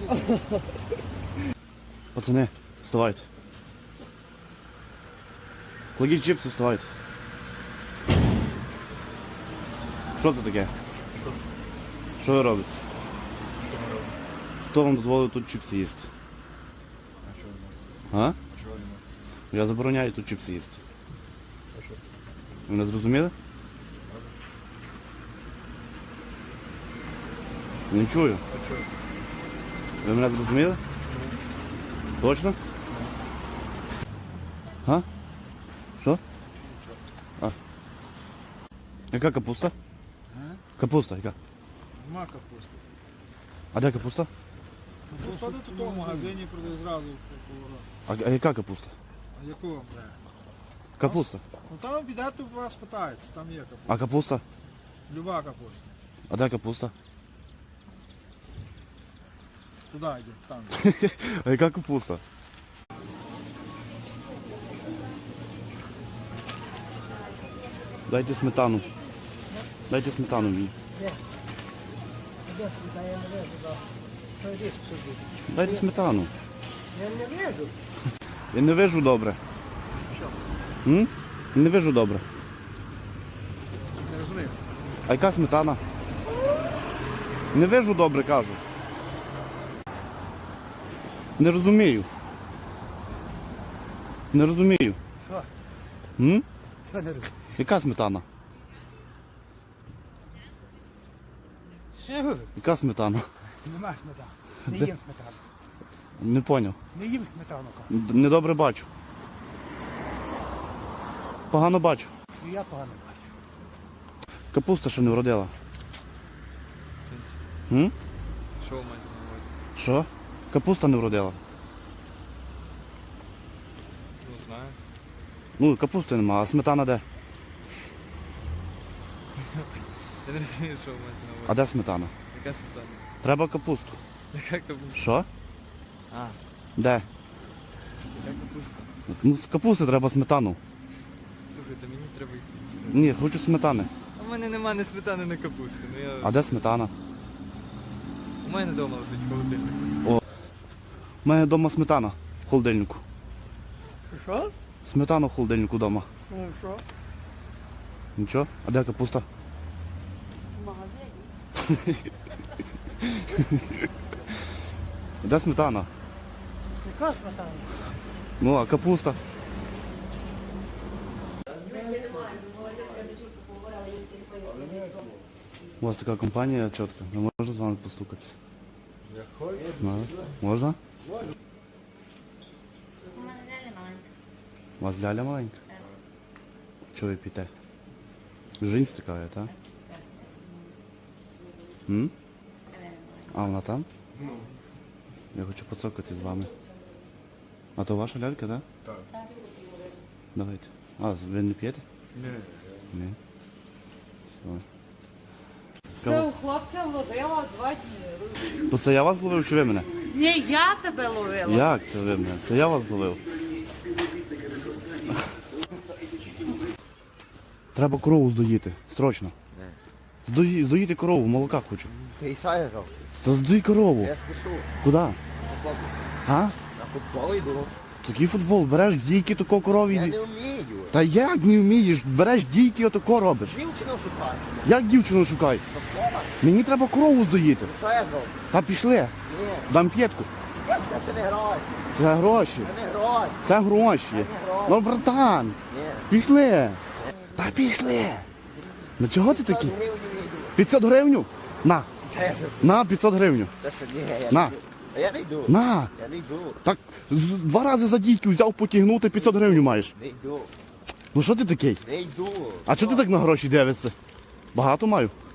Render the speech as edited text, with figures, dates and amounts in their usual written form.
Пацани, вставайте. Кладіть чипси, вставайте. Що це таке? Що ви робите? Хто вам дозволив тут чипси їсти? А чого не можна? А? А чого не можна? Я забороняю тут чипси їсти. А що? Ви мене зрозуміли? Не чую. А чого? Ви мене зрозуміли? Точно? А? Що? А. Яка капуста? Капуста, яка? Нема капусти. А де капуста? Капуста тут в магазині продає зразу поворот. А яка капуста? А яку вам треба? Капуста. Ну там підете, у вас питається, там є капуста. А капуста? Люба капуста. А де капуста? Туди йде, там. А яка капуста? Дайте сметану. Дайте сметану мені. Дайте сметану. Я не вижу. Я не вижу добре. Що? М? Не вижу добре. Не розумію. А яка сметана? Не вижу добре, кажу. Не розумію. Не розумію. Що? М? Що не розумію? Яка сметана? Що? Яка сметана? Нема сметани. Не їм сметану. Не поняв. Не їм сметану, кажу. Недобре бачу. Погано бачу. І я погано бачу. Капуста ще не вродила. М? Що ви маєте на увазі? Що? Капуста не вродила. Не знаю. Ну, капусти нема, а сметана де? Я не розумію, що ви маєте на А увазі. де сметана? Яка сметана? Треба капусту. Яка капуста? Що? А, Де? яка капуста? Ну, з капусти треба сметану. Слухайте, мені треба йти. Ні, хочу сметани. У мене нема ні сметани, ні капусти. Ну, я... А де сметана? У мене вдома лежить холодильник. У мене вдома сметана в холодильнику. Що? Сметана в холодильнику вдома. Ну що? Нічого? А де капуста? В магазині. Де сметана? Яка сметана? Ну, а капуста? У вас така компанія чітка. Не можна з вами постукати? Можна? У мене реально маленька. У вас ляля маленька? Так. Чого ви п'єте? Жінь стикає, так? М? А вона там? Я хочу поцокати з вами. А то ваша лялька, так? Так. Давайте. А, ви не п'єте? Ні. Ні. Все. Це у хлопця ловила 2 дні. То це я вас зловив чи ви мене? Ні, я тебе ловила. Як це ви мене? Це я вас зловив. Треба корову здоїти. Срочно. Здоїти корову, молока хочу. Ти що Та здуй корову. Я спішу. Куди? А? На футбол йду. Такий футбол, береш дійки, тако Я корові. не вмію. Та як не вмієш? Береш дійки, отако робиш. Дівчину шукаю. Як дівчину шукай? Мені треба корову здоїти. Що я зроблю? Та пішли. Ні. Дам п'єтку. Це не гроші. Це гроші. Це не гроші. Це гроші. Ну, братан, Ні. пішли. Та пішли. Ну чого ти такий? 100 гривень йду. 500 гривню? На. Та що? На 500 гривню. Та що? Ні, я На. не йду. Та я не йду. На. Я не йду. Так, 2 рази за дійки взяв потягнути, 500 гривень маєш. Не йду. Ну що ти такий? Не йду. А чого ти так на гроші дивишся? Багато маю?